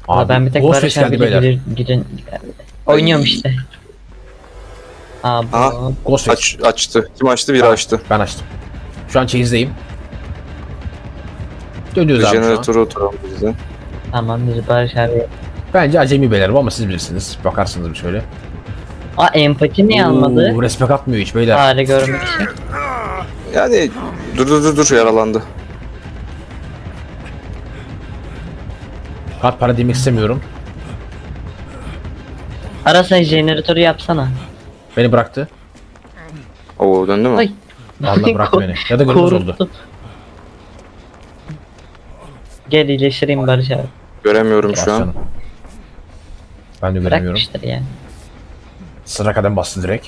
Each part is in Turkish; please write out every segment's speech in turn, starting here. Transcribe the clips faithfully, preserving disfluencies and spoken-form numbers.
Abi Ben bir tek Ghostface Barış geldi abiyle beyler. gidin, gidin. Oynuyorum işte. Aa bu. Aha. Ghostface. Aç, açtı. Kim açtı? Biri Ben- açtı. Ben açtım. Şu an çeyizdeyim. Dönüyoruz abi şu an. Jeneratörü oturalım bizden. Tamam biz Barış abi. Bence acemi beyler bu ama siz bilirsiniz. Bakarsınız bir şöyle. Aa empati niye almadı? Oo, respek atmıyor hiç beyler. Fare görmek için. Yani dur dur dur dur yaralandı. Kart para demek istemiyorum. Ara sen jeneratörü yapsana. Beni bıraktı. Oo döndü mü? Ay. Vallahi bıraktı beni. Ya da görünmez oldu. Korktum. Gel iyileştireyim Barış abi. Göremiyorum şu an. Bascanım. Ben de göremiyorum. Bırakmıştır yani. Sıra kadem bastı direkt.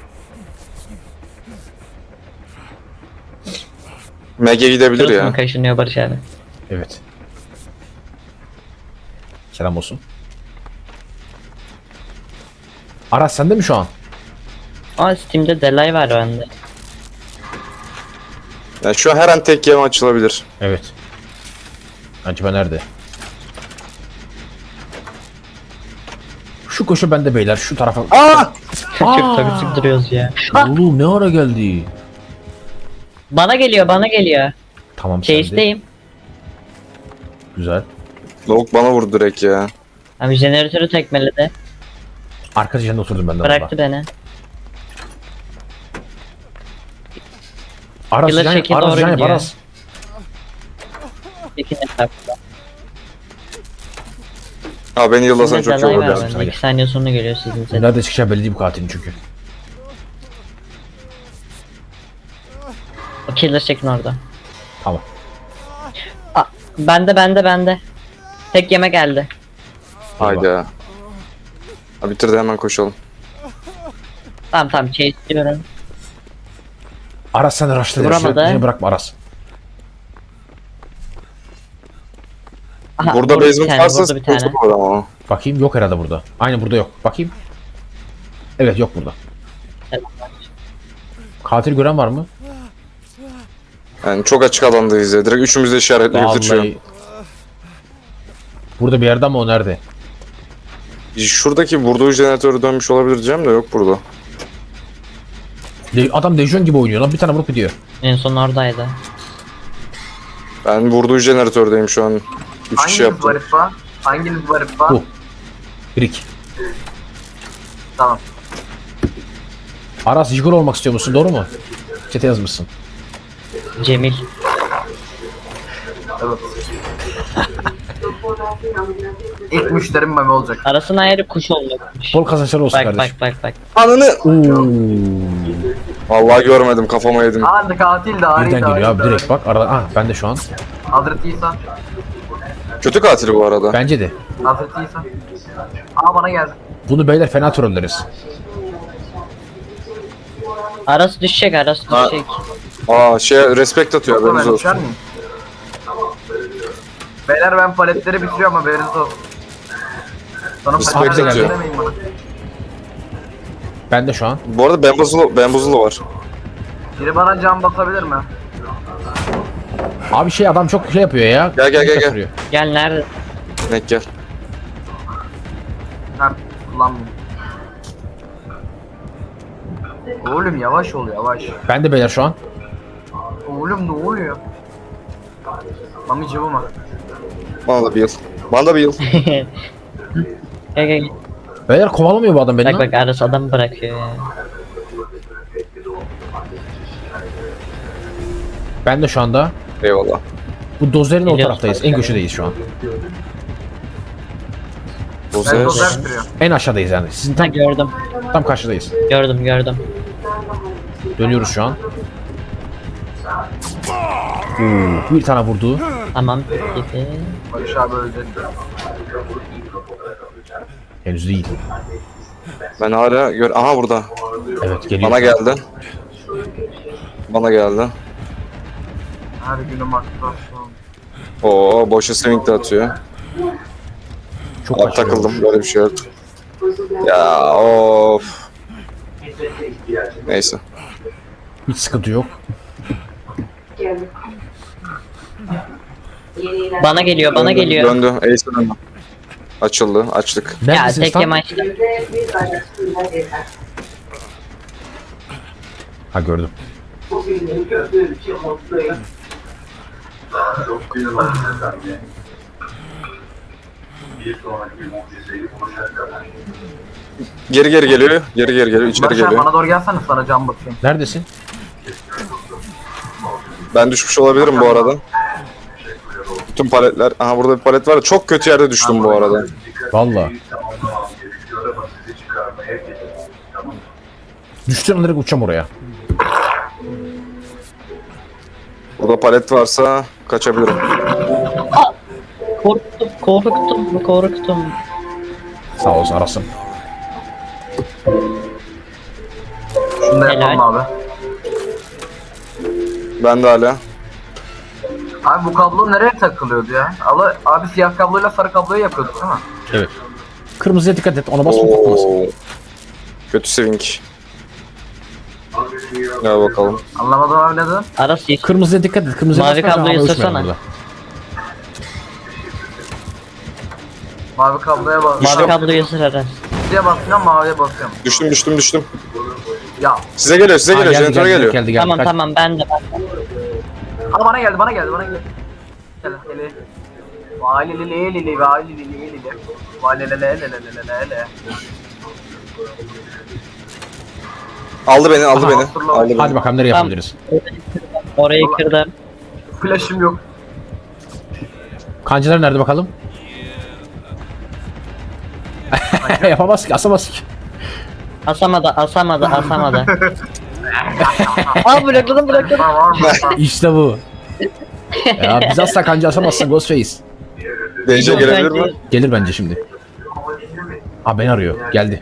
Mege gidebilir Kırık mı ya. kaşınıyor Barış abi? Evet. Selam olsun. Aras sende mi şu an? Aa Steam'de delay var bende. Yani şu an her an tek yem açılabilir. Evet. Acaba nerede? Şu koşu bende beyler şu tarafa. Aa! Çok toksik duruyoruz ya. Oğlum ne ara geldi? Bana geliyor bana geliyor. Tamam sende. Chase'deyim. Güzel. Lavuk bana vurdu direkt ya. Abi jeneratörü tekmeledi. Arka dişinde oturdum ben de Bıraktı beni. Aras Killer can, şekil Aras doğru can yap gidiyor. Aras. İkinci etapta. Ha beni yıllasan Şimdi çok iyi delay olur var ya. sana bende. gel. iki saniye sonra geliyor sizin set. Nerede çıkacağı belli değil bu katilin çünkü. O killer çekin orada. Tamam. Aa, bende bende bende. Tek yeme geldi. Haydi ya. Ha bitirdi hemen koşalım. Tamam tamam chase diyorum. Aras sen rush'la Vuramadı. Beni bırakma Aras. Aha, Burada vurdu bir basement tane, varsa vurdu bir tane. sıkıntı var ama. Bakayım yok herhalde burada. Aynen burada yok. Bakayım. Evet yok burada. Katil gören var mı? Yani çok açık alandayız ya. Direkt üçümüz de işaretleyebiliriz şu an. Vallahi. Burada bir yerde ama o nerede? Şuradaki vurduğu jeneratörü dönmüş olabilir diyeceğim de yok burada. De- Adam Dejon gibi oynuyor lan bir tane vurup gidiyor. En son oradaydı. Ben vurduğu jeneratördeyim şu an. Üç kişi Hanginiz yaptım. var İfa? Hanginiz var İfa? Bu. Brick. Tamam. Aras Jigol olmak istiyor musun? Doğru mu? Çete yazmışsın. Cemil. Evet. İlk müşterim Mami olacak. Arasına ayrı kuş olacakmış. Bol kazançlar olsun Bak kardeşim. bak bak bak. Ananı! Oo. Vallahi görmedim kafama yedim. Aa katil de Ari Birden de geliyor Ari abi direkt bak. Arada, ah ben de şu an. Hazreti İsa. Kötü katili bu arada. Bence de. Hazreti İsa. Aa bana geldi. Bunu beyler fena trolleriz. Arası düşecek arası Ha. düşecek. Aa şey respect atıyor Yoksa haberiniz ben düşer olsun. miyim? Beyler ben paletleri bitiriyorum haberiniz olsun. Sonra Respect paletleri atıyor. demeyin bana. Ben de şu an. Bu arada bambuzlu, bambuzlu var. Biri bana can basabilir mi? Abi şey adam çok şey yapıyor ya. Gel, gel, gel, gel. Kaçırıyor. Gel nerede? Nek gel. Ha kullanmayayım. Oğlum yavaş ol yavaş. Ben de beyler şu an. Oğlum ne oluyor? Mami cıvıma. Bana da bir yıl. Bana da bir yıl. Gel gel gel. Beyler kovalamıyor bu adam beni Bak lan. bak arası adam bırakıyor ya. Ben de şu anda. Eyvallah. Bu dozerin o Geliyoruz taraftayız. bak. En köşedeyiz şu an. Ben Dozer. dozer sürüyorum. En aşağıdayız yani. Sizin Ha tam, gördüm. tam karşıdayız. Gördüm gördüm. Dönüyoruz şu an. Oo, bir tane vurdu. Tamam gitti. Barış abi öldü. Henüz değil. Ben hala gör. Aha burada. Evet geliyor. Bana geldi. Bana geldi. Her günüm aktifasyon. Oo boşa swing de atıyor. Çok Alt kaçırıyor. takıldım böyle bir şey yok. Ya of. Neyse. Hiç sıkıntı yok. Bana geliyor bana Döndü, geliyor. Döndü. Ace'e döndü. Açıldı. Açtık. Ya Neredesiniz tek tam? yeme açtım. Ha gördüm. Geri geri geliyor. Geri geri geliyor. İçeri Barış abi geliyor. bana doğru gelsene sana cam bakayım. Neredesin? Ben düşmüş olabilirim bu arada. Bütün paletler. Aha burada bir palet var. Çok kötü yerde düştüm bu arada. Valla. Düştüğün an direkt uçacağım oraya. Burada palet varsa kaçabilirim. Korktum, korktum, korktum. Sağ olsun arasın. Şunu da Helal. yapalım abi. Ben de hala. Abi bu kablo nereye takılıyordu ya? Abi, abi siyah kabloyla sarı kabloyu yapıyorduk değil mi? Evet. Kırmızıya dikkat et. Ona basma patlamasın. Oo. Kötü swing. Gel bakalım. Anlamadım abi ne dedin? Aras yeşil. Kırmızıya dikkat et. Kırmızıya Mavi basma, kabloyu havaya uçmayalım ısırsana. burada. Mavi kabloya bas. Mavi Düştüm. kabloyu ısır Aras. Kırmızıya basıyorum maviye basıyorum. Düştüm düştüm düştüm. Ya. Size geliyor size Aa, geliyor. geldi, Jeneratöre geldi, geliyor. geldi, geldi. Tamam Kaç. tamam ben de ben de. Aa bana geldi bana geldi bana geldi. Gel gel. Vay li li li li li vay li li li li li. Vay li li li li li li li li. Aldı beni aldı Aha, beni. hatırla. Aldı beni. Hadi bakalım nereye Tamam. yapabiliriz. Orayı kırdım. Flash'ım yok. Kancılar nerede bakalım? Yapamaz ki, asamaz ki. Asamadı, asamadı, asamadı. Aa blokladım blokladım. Var var mı? İşte bu. Ya biz asla kancı asamazsın Ghostface. D J gelebilir mi? Gelir bence şimdi. Aa beni arıyor. Geldi.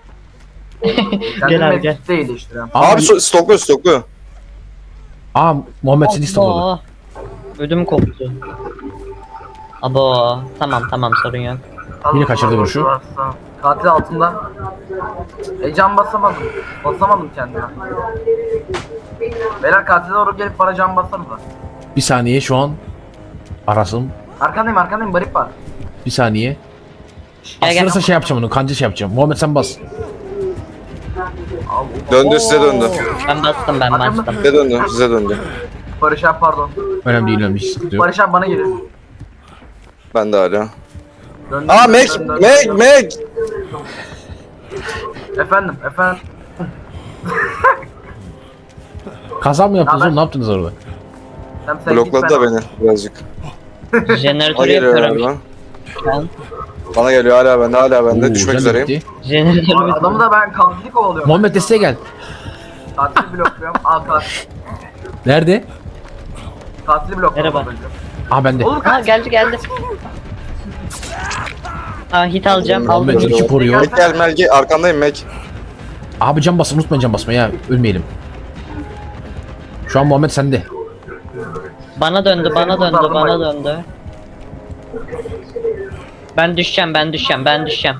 Gel abi, gel. Değil işte. ya. Aa, Abi so- stokluyor stokluyor. Aa Muhammed seni istopladı. Abo. Ödüm koptu. Abo. Tamam tamam sorun yok. Yine kaçırdı vuruşu. Katil altında. E can basamadım. Basamadım kendime. Beyler katile doğru gelip bana can basarım da. Bir saniye şu an. Arasım. Arkandayım arkandayım barip var. Bir saniye. Gel gel. Asılırsa şey yapacağım onu. Kancı şey yapacağım. Muhammed sen bas. Al. Döndü size döndü. Ben bastım ben bastım. Size döndü size döndü. Barış abi pardon. Önemli değil önemli. Hiç sıkıntı yok. Barış abi bana gelir. Ben de hala. Döndüm, Aa döndüm, Meg döndüm, Meg döndüm. Meg. Efendim efendim. Kaza mı yaptınız Haber? oğlum? Ne yaptınız orada? Sen, sen Blokladı git, da ben- beni birazcık. Bana Jeneratörü geliyor yapıyorum. galiba. şu an. Bana geliyor hala bende hala bende. Oo, Düşmek can da üzereyim. bitti. Jeneratörü Adamı da ben katili kovalıyorum. Muhammed desteğe gel. Katili blokluyorum. Al katil. Nerede? Katili blokluyorum. Merhaba. önce. Aa bende. Oğlum Aa kaç. geldi geldi. Aa hit alacağım Muhammed aldım. iki koruyor. Meg gel Meg gel. Arkandayım Meg. Abi can basın unutmayın can basmayı ya. Ölmeyelim. Şu an Muhammed sende. Bana döndü bana döndü kurtardım bana ben. döndü. Ben düşeceğim ben düşeceğim ben düşeceğim.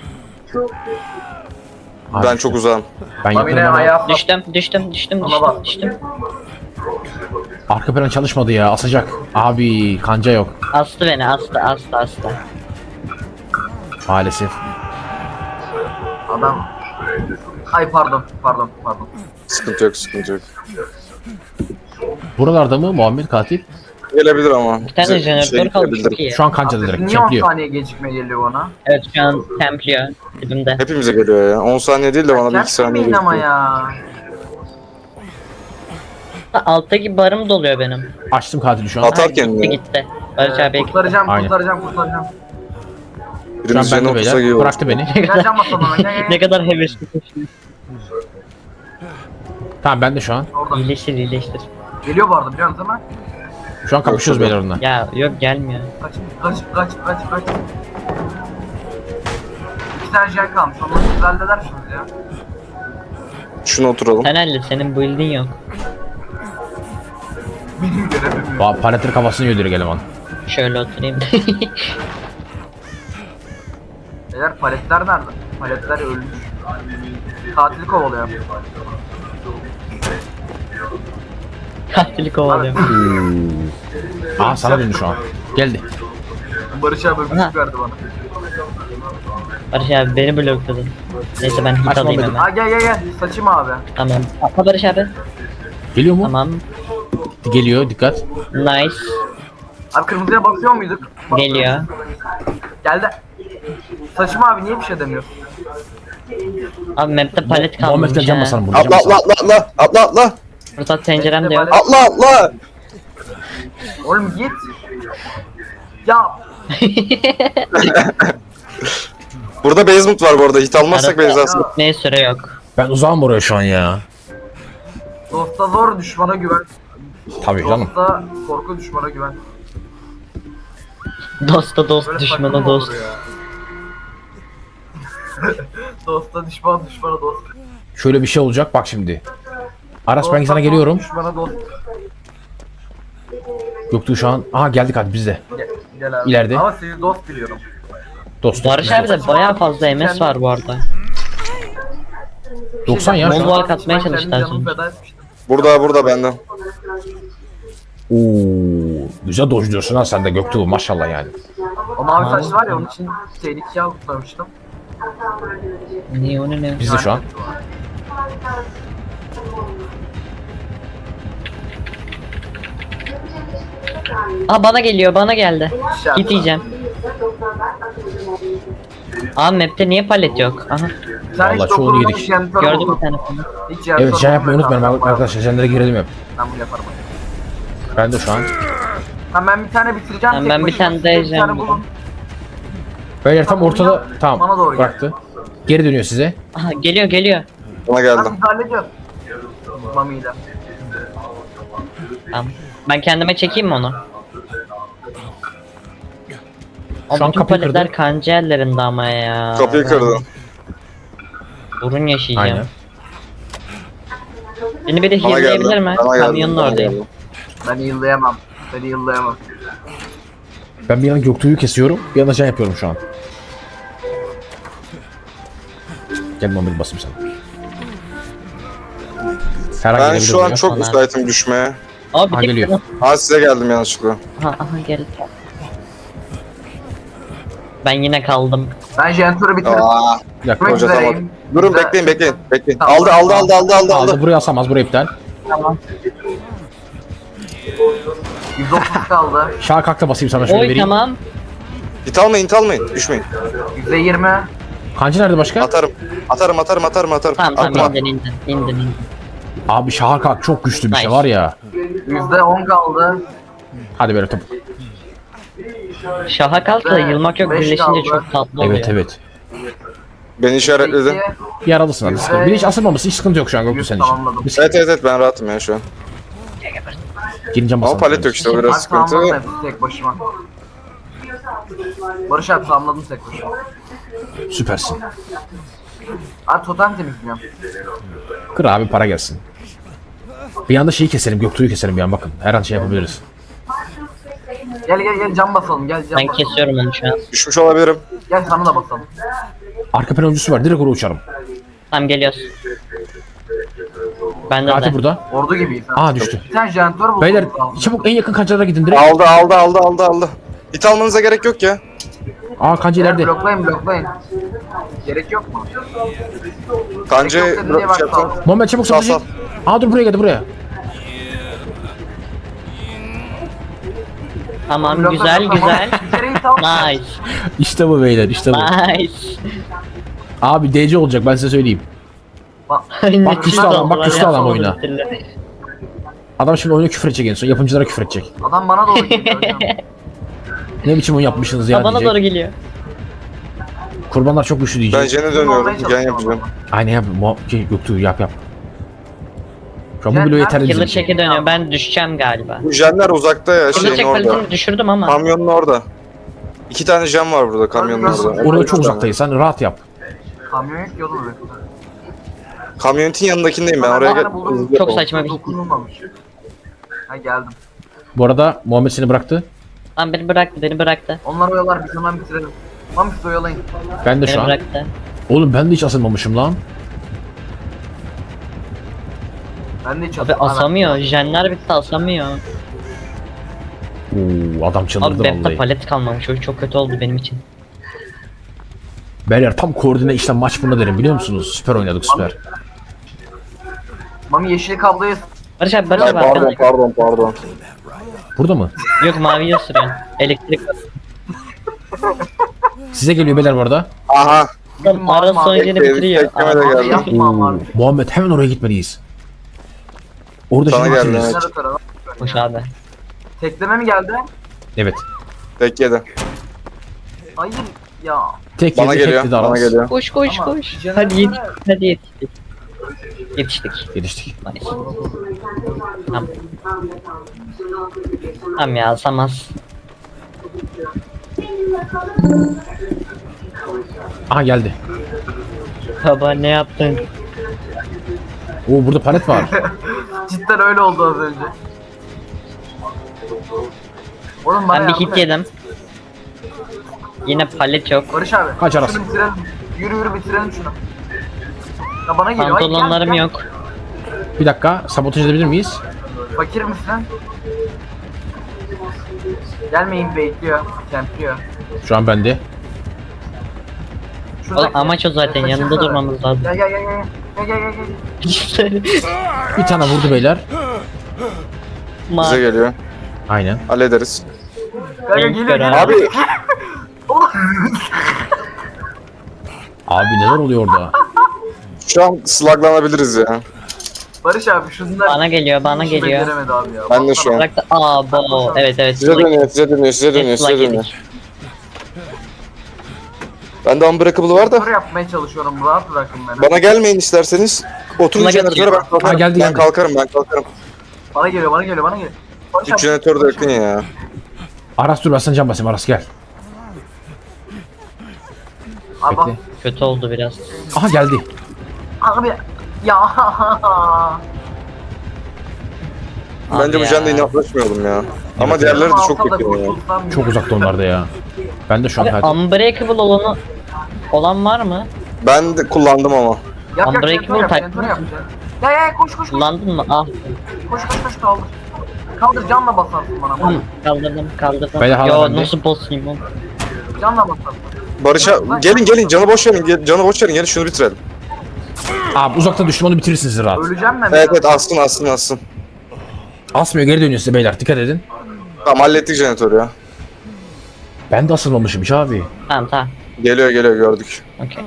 Abi, Ben çok uzağım. Ben Tamam yine yaparım ama ayağa Düştüm düştüm düştüm Ona düştüm bak. düştüm. arka plan çalışmadı ya. Asacak. Abi kanca yok. Astı beni astı astı astı. Maalesef. Adam. Ay pardon pardon pardon. Sıkıntı yok sıkıntı yok. Buralarda mı Muhammed katil? Gelebilir ama. Bir tane Bize jeneratör şey kalmış gelebilir. çok iyi. Şu an kancada direkt. Niye on Çempliyor. saniye gecikme geliyor bana? Evet şu an templiyor dibimde. Hepimize geliyor ya. on saniye değil de bana bir iki saniye Çarpmayın ama geliyor. ya. Alttaki barım doluyor benim. Açtım katili şu an. At. Ha, Atarken gitti mi? gitti. Barış abi Kurtaracağım Aynen. kurtaracağım kurtaracağım. Şu an Birimiz bende yanına otursa iyi beyler. olur. Bıraktı beni. Gel can basalım hemen gel gel. ne gel. kadar hevesli koşuyor. Tamam ben de şu an. Oradan. İyileştir iyileştir. Geliyor bu arada biliyor musun değil mi? Şu an kapışıyoruz beyler onunla. Ya yok gelmiyor. Kaç kaç kaç kaç kaç. İki tane jen kalmış. Onları siz halledersiniz ya. Şuna oturalım. Sen hallet senin build'in yok. Benim görevim yok. Ba paletleri kafasını yöldürüyor eleman. Şöyle oturayım. Beyler paletler nerede? Paletler ölmüş. Katili kovalıyor. Katili kovalıyorum. Aa sana döndü şu an. Geldi. Barış abi Aha. öpücük verdi bana. Barış abi beni blokladın. Neyse ben hit Açmam alayım dedim. hemen. Ha gel gel gel. Saçım abi. Tamam. Atla Barış abi. Geliyor mu? Tamam. Geliyor, dikkat. Nice. Abi kırmızıya bakıyor muyduk? Bak- Geliyor. Geldi. Saçım abi niye bir şey demiyorsun? Abi map'te palet Muhammed'le kalmamış can ha. basalım burada. Can Atla atla basalım. atla atla atla atla. Fırsat tencerem de yok. Atla atla. Oğlum git. Ya Burada basement var bu arada. Hit almazsak Arada- benzersin. Ne süre yok. Ben uzağım buraya şu an ya. dosta zor düşmana güven. Tabii canım. Dosta korku düşmana güven. Dosta dost, Böyle düşmana saçma mı dost. olur ya? Dosta düşman düşmana dost. Şöyle bir şey olacak bak şimdi. Aras ben Dosta sana dost, geliyorum. Düşmana dost. Göktuğ şu an. Aha geldik hadi biz de. Gel, gel abi. İleride. Ama sizi dost biliyorum. Dost. Barış abi de bayağı fazla M S var bu arada. doksan ya şu Mol an. var katmaya Ben kendi çalıştılar canımı sonra. feda etmiştim. Burada burada benden. Oo, güzel dojluyorsun ha sen de Göktuğ maşallah yani. O mavi saçlı var ya onun için tehlikeye almıştım. Ne o ne ne? Biz de şu an. Aa bana geliyor, bana geldi. Hit yiyeceğim. Aa map'te niye palet yok? Aha Sen hiç Vallahi çoğunu dokunulmamış yedik. janitor gördüm buldun. bir tane falan. Hiç janitor Evet can yapmayı bulmadım. unutmayın arkadaşlar. Jenlere girelim hep. Ben bunu yaparım. Ben de şu an. Ha ben bir tane bitireceğim. Tamam, tek ben bir başıma. tane daha Bir tane jen bulun. Beyler tam ortada. Bana Tamam doğru gel. bıraktı. Geri dönüyor size. Aha geliyor geliyor. Bana Ben geldim. biz hallediyoruz. Mami'yle. Tamam. Ben kendime çekeyim mi onu? Şu an Ama bütün kapıyı paletler kırdı. kancı ellerinde ama ya. Kapıyı kırdı. Burun yaşayacağım. Aynen. Beni bir de Bana geldi. heal'leyebilir mi? Bana geldi. Kamyonun Bana oradayım. geldi. Ben yıllayamam. Ben yıllayamam. Ben bir yana Göktuğ'u kesiyorum. Bir yana can yapıyorum şu an. Gel Muhammed basayım sana. Ferhan Ben gelebilir şu an buraya. çok Bana. müsaitim düşmeye. Aa bir Ha, tek geliyor. Ha size geldim yanlışlıkla. Aha aha geldi. Ben yine kaldım. Ben janitor'u bitirdim. Aa, Bir dakika. Bırak hoca üzereyim. tamam. Durun Güzel. bekleyin bekleyin bekleyin. Tamam. Aldı aldı aldı aldı aldı Aldı aldı. buraya asamaz buraya iptal. yüz otuz kaldı. Şaha kalk da basayım sana şöyle Oy vereyim. tamam. Hit almayın hit almayın. Düşmeyin. yüzde yirmi. Kancı nerede başka? Atarım. Atarım atarım atarım atarım. Tamam Atma. tamam indin indin indin indin. Abi şaha kalk çok güçlü bir şey Nice. var ya. yüzde on kaldı. Hadi böyle top. Şaha kalk da yılmak yok Beş birleşince kaldı. çok tatlı oluyor. Evet evet. Beni işaretledi. İki. Yaralısın hadi sıkıntı. Bir hiç asılmaması hiç sıkıntı yok şu an Göktuğ Yüz senin için. tamamladım. Biz Evet evet evet ben rahatım ya şu an. girince Ama basalım. palet yok işte o biraz Abi sıkıntı. tamamladım hepsi tek başıma. Barış abi tamamladım tek başıma. Süpersin. Abi totem temizliyorum. Kır abi para gelsin. Bir anda şeyi keselim Göktuğ'u keselim bir an bakın. Her an şey yapabiliriz. Gel gel gel cam basalım gel cam Ben basalım. kesiyorum onu şu an. Düşmüş olabilirim. Gel sana da basalım. Arka plan öncüsü var direkt oraya uçarım. Tamam geliyoruz. Bende Fatih de. burada. Ordu gibiyiz ha. Aa düştü. Bir tane janitor buldum. Beyler çabuk en yakın kancalara gidin direkt. Aldı aldı aldı aldı aldı. Hit almanıza gerek yok ya. Aa kanca Beyler, ileride. bloklayın bloklayın. Gerek yok mu? Kancayı Gerek yok dedi diye bırak şey bak, yapsam. Muhammed çabuk Sal, çabuk. Aa dur buraya geldi buraya. Tamam Blokla, güzel blokla. güzel. Bir kere hit al. Nice. İşte bu beyler işte bu. Nice. Abi D C olacak ben size söyleyeyim. Bak, Bak güçlü adam, bak güçlü adam oyuna. Adam şimdi oyuna küfür edecek en son. Yapımcılara küfür edecek. adam bana doğru geliyor hocam. Ne biçim oyun yapmışsınız ya Bana diyecek. doğru geliyor. Kurbanlar çok güçlü Ben diyecek. jene Olmaya dönüyorum. Gen çalışıyorum yapacağım. ama. Aynen yap. Mu şey, Göktuğ yap yap. Şu an bu Jen- bile yeterli bizim Killer için. çeki dönüyor. Ben düşeceğim galiba. Bu jenler uzakta ya Killer şeyin çek orada. paletini düşürdüm ama. Kamyonun orada. İki tane jen var burada kamyonun Hadi orada. Oraya çok uzaktayız. Sen rahat yap. Kamyon yok yolu mu? Kamyonetin yanındakindeyim ben oraya Bana buldum. gel. Çok saçma bir hit. Dokunulmamış. Ha geldim. Bu arada Muhammed seni bıraktı. Lan beni bıraktı beni bıraktı. Onlar oyalar biz hemen bitirelim. Tamam siz oyalayın. Ben de Beni şu an. bıraktı. Oğlum ben de hiç asılmamışım lan. Ben de hiç Abi asamıyor. Jenler bitti asamıyor. Oo adam Abi çıldırdı map'te vallahi. palet kalmamış. O çok kötü oldu benim için. Beyler tam koordine işte maç bunda derim biliyor musunuz? Süper oynadık süper. Mami yeşil kabloyu Barış abi Barış Ay, abi pardon arkanda. pardon pardon. Burada mı? Yok maviye sürüyorsun. Elektrik. Size geliyor beyler bu arada. Aha. Adam ara sonucunu Tek- bitiriyor. tekleme de Aa, geldi. yapma abi. Muhammed hemen oraya gitmeliyiz. Orada Sana şimdi geldi, bitiririz. evet. Jeneratör, Hoş abi. Tekleme mi geldi? Evet. Tek yedi. Hayır ya. Tek Bana yedi geliyor. tek Bana Aras. geliyor. Koş koş Ama koş. jeneratöre- Hadi yetiştik. Hadi yetiştik. Yetiştik. Yetiştik. Nice. Tamam. Tamam ya Samas. Aha geldi. Baba ne yaptın? Oo burada palet var. Cidden öyle oldu az önce. Oğlum bana Ben bir yardım hit et. yedim. Yine palet yok. Barış abi. Kaç Aras? Şunu bitirelim. Yürü yürü bitirelim şunu. Ya bana geliyor. Ay, gel, Pantolonlarım gel. yok. Bir dakika sabotaj edebilir miyiz? Fakir misin? Gelmeyin bekliyor. Kempliyor. Şu an bende. Oğlum amaç o zaten, yanında durmamız lazım. Gel gel gel gel. Gel gel gel gel. Bir tane vurdu beyler. Bize Ma geliyor. Aynen. Hallederiz. Gel gel Renk geliyor. gören. geliyor. Abi Oğlum. Abi neler oluyor orada? şu an slaglanabiliriz ya. Barış abi şunlar. bana geliyor, bana Hiç geliyor. beceremedi abi ya. Ben de şu an. Bırak da aa bo evet evet. Size Slag- dönüyor, size dönüyor, size dönüyor, Slag size dönüyor. yedik. Bende unbreakable var Tur da. yapmaya çalışıyorum. Rahat bırakın beni. Bana gelmeyin isterseniz. Oturun Buna jeneratöre getiriyor. ben kalkarım. Ha, geldi, ben geldi. kalkarım, ben kalkarım. Bana geliyor bana geliyor bana geliyor. Barış Üç abi, jeneratör de Barış yakın abi. ya. Aras dur ben sana can basayım Aras gel. Abi bak. Bekle. Kötü oldu biraz. Aha geldi. Abi. Ya. Bence Abi bu jende ya. inatlaşmayalım ya. Ama Evet, diğerleri de Alsa çok da kötü ya. kurtulsam Çok ya. uzakta onlar da ya. Ben de şu an Abi hayatım. unbreakable olanı olan var mı? Ben de kullandım ama. Yap yap Unbreakable jeneratör yap type jeneratör mi? yap. Ya ya koş koş koş. Kullandın mı? Ah. Koş koş koş kaldır. Kaldır canla basarsın bana. Hı, kaldırdım kaldırdım. Beyler, hala Yo bende. nasıl boss'uyum oğlum? Canla basarsın. Barış'a gelin gelin canı boş verin. gel- Canı boş verin gelin şunu bitirelim. Abi uzakta düştüm onu bitirirsiniz siz rahat. Öleceğim ben. Evet evet assın assın assın. Asmıyor geri dönüyor size beyler dikkat edin. Tamam hallettik jeneratörü ya. Ben de asılmamışım hiç abi. Tamam tamam. Geliyor geliyor gördük. Okey.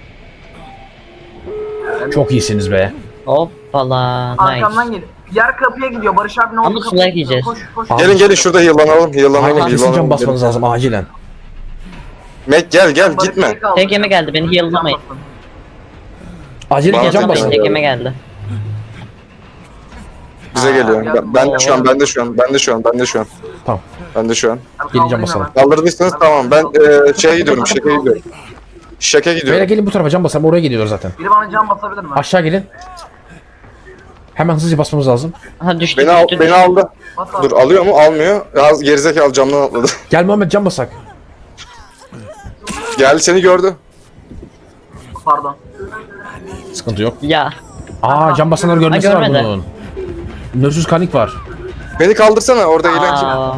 Çok iyisiniz be. Hoppala. Arkamdan Nice. gel. Diğer kapıya gidiyor. Barış abi ne oldu? Ama Kapıya slag gidiyor. yiyeceğiz. Koş koş. Abi. Gelin gelin şurada heal'lanalım heal'lanalım Aynen kesin heal'lanalım. can basmanız lazım acilen. Mac gel gel Barış gitme. Bey kaldı. Tek yeme geldi, beni heal'lamayın. Can basın. Acilen Bana can can basın. basın. Tek yeme geldi. Bize Aa, geliyor. geldim. Ben, ben de şu an ben de şu an ben de şu an ben de şu an. Tamam. Ben de şu an. Abi Geleceğim kaldırın basalım. hemen. Kaldırdıysanız tamam ben eee şeye gidiyorum şaka gidiyorum. Şaka Beyler gidiyorum. gelin bu tarafa can basalım oraya geliyorlar zaten. Biri bana can basabilir mi? Aşağı gelin. Hemen hızlıca basmamız lazım. Aha düştü Beni al, düştü. beni düştü. aldı. Bas abi. Dur alıyor mu? Almıyor. Ya gerizekalı camdan atladı. Gel Muhammed can basak. Geldi seni gördü. Pardon. Sıkıntı yok. Ya. Aa can basanları görmesi Ha, var görmedi. bunun. Nörsüz kanik var. Beni kaldırsana orada eğlen kim? Aa.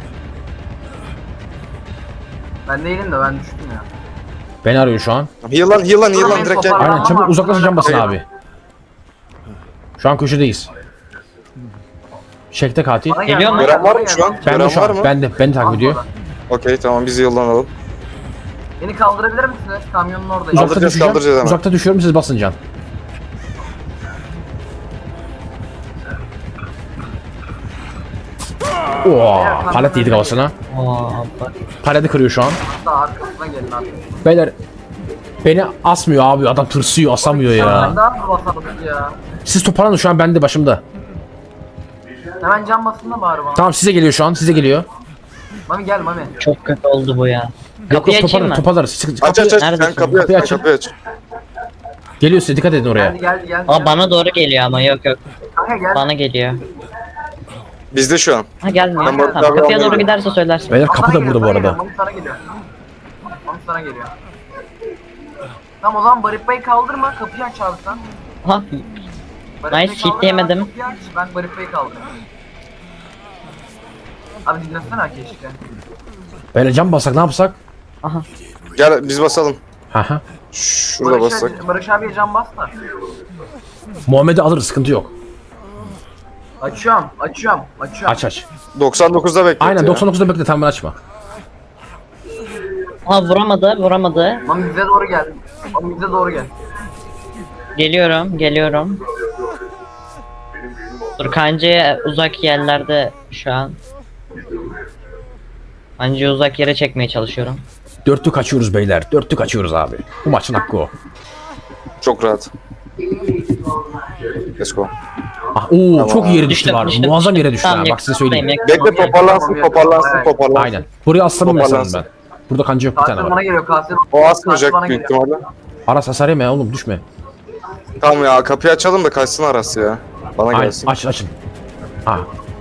Ben değilim de ben düştüm ya. Beni arıyor şu an. Heal'lan heal'lan heal'lan direkt gel. Aynen çabuk uzaklaşın can basın Eyvallah. abi. Şu an köşedeyiz. Şekte katil. Bana Geliyor mu? bana Gören var mı bana şu an? gel. Ben de Gören şu var an. mı? Ben de beni takip Al ediyor. bana. Okey tamam biz heal'lanalım. Beni kaldırabilir misiniz? Kamyonun oradayım. Uzakta Kaldıracağız, düşeceğim. kaldıracağız hemen. Uzakta düşüyorum siz basın can. Oo, palet yedik havasına. Aa, bak. Paleti kırıyor şu an. Hatta arkasına gelin abi. Beyler beni asmıyor abi adam tırsıyor asamıyor Ben ya. daha mı basalım ya? Siz toparlanın şu an bende başımda. Hemen can basın da bari bana. Tamam size geliyor şu an size geliyor. Mami gel Mami. Çok kötü oldu bu ya. Yok Kapıyı yok açayım toparlanın mı? toparlarız. Siz- Aç kapıyı- aç aç Neredesin? sen kapıyı aç Kapıyı sen açın. kapıyı aç. Geliyor size dikkat edin oraya. Geldi geldi geldi. Aa geldi. bana doğru geliyor ama yok yok. Kanka gel. Bana geliyor. Bizde şu an. Ha gelmiyor. Ben bu- Tamam, ben kapıya bu- doğru giderse söylersin. Beyler Bana kapı da geliyor, burada bu bana geliyor, arada. Mami sana geliyor. Mami sana geliyor. Tamam o zaman Baripa'yı kaldırma kapıyı aç abi sen. Ha Baripa'yı Nice, kaldır, hitleyemedim. kapıyı aç, ben Baripa'yı kaldırıyorum. Abi dinlesene keşke. Beyler can basak ne yapsak? aha. Gel biz basalım. Haha. Şurada Barış, bassak. abi, Barış abiye can bas da. Muhammed'i alırız, sıkıntı yok. Açıyorum, açıyorum, açıyorum. Aç aç. doksan dokuzda beklet Aynen ya. doksan dokuzda bekle, tamam, ben açma. Ha vuramadı vuramadı. Lan bize doğru gel. Lan bize doğru gel. Geliyorum geliyorum. Dur kancayı uzak yerlerde şu an. Kancayı uzak yere çekmeye çalışıyorum. Dörtlük açıyoruz beyler. Dörtlük açıyoruz abi. Bu maçın hakkı o. Çok rahat. Let's go. Ah, oo, çok iyi yere düştü Düştüm, var. düştüm, Muazzam düştüm. yere düştü Tamam, ha. Bak size yakınım, söyleyeyim. yakınım. Bekle toparlansın toparlansın toparlansın. Aynen. Buraya aslanım mesela Toparlansın. ben. Burada kanca yok, bir tane Katil bana var. geliyor, katil. O Katil asmayacak bana büyük geliyor. ihtimalle. Aras hasar yeme ya oğlum, düşme. Tamam ya kapıyı açalım da kaçsın Aras ya. Bana Aynen, gelsin. aç açın. Ha.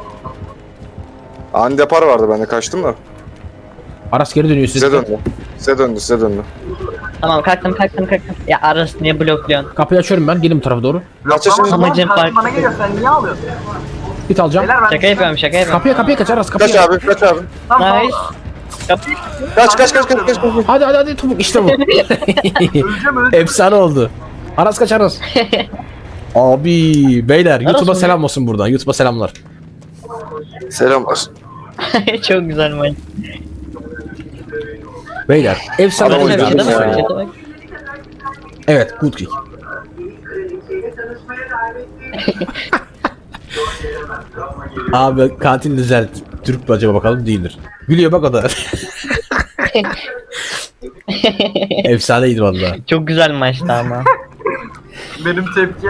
Ani depar vardı bende kaçtım da. Aras geri dönüyor size. Size döndü. Size döndü size döndü. Tamam kalktım kalktım kalktım. Ya Aras niye blokluyorsun? Kapıyı açıyorum ben. Gelin bu tarafa doğru. Kaç yaşındasın? Tamam, Amacım katil farklı. bana geliyor, sen niye alıyorsun? Bit alacağım. Beyler ben... Şaka yapıyorum şaka yapıyorum. Kapıya kapıya kaç Aras, kapıya. Kaç abi kaç abi. Tamam, Nice. tamam. Kapı. Kaç kaç kaç kaç kaç. kaç. Hadi hadi hadi topuk, işte bu. Öleceğim, öleceğim. Efsane oldu. Aras kaç Aras. Abi beyler YouTube'a mı? selam olsun buradan. YouTube'a selamlar. Selamlar. Çok güzel maç. Beyler efsane Adam oyuncu. oynadı Çete ya. bak çete bak. Evet, good kick. Abi katil düzelt. Türk mü acaba, bakalım, değildir. Gülüyor bak o da. Efsaneydi valla. Çok güzel maçtı ama. Benim tepki.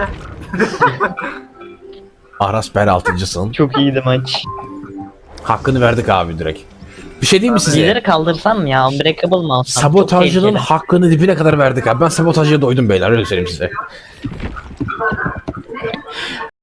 Aras Ber altıncısın. Çok iyiydi maç. Hakkını verdik abi direkt. Bir şey diyeyim mi size? Lider'i kaldırsam mı ya? Unbreakable mı alsam? Çok Sabotajcının tehlikeli. hakkını dibine kadar verdik abi. Ben sabotajcıya doydum beyler, öyle söyleyeyim size.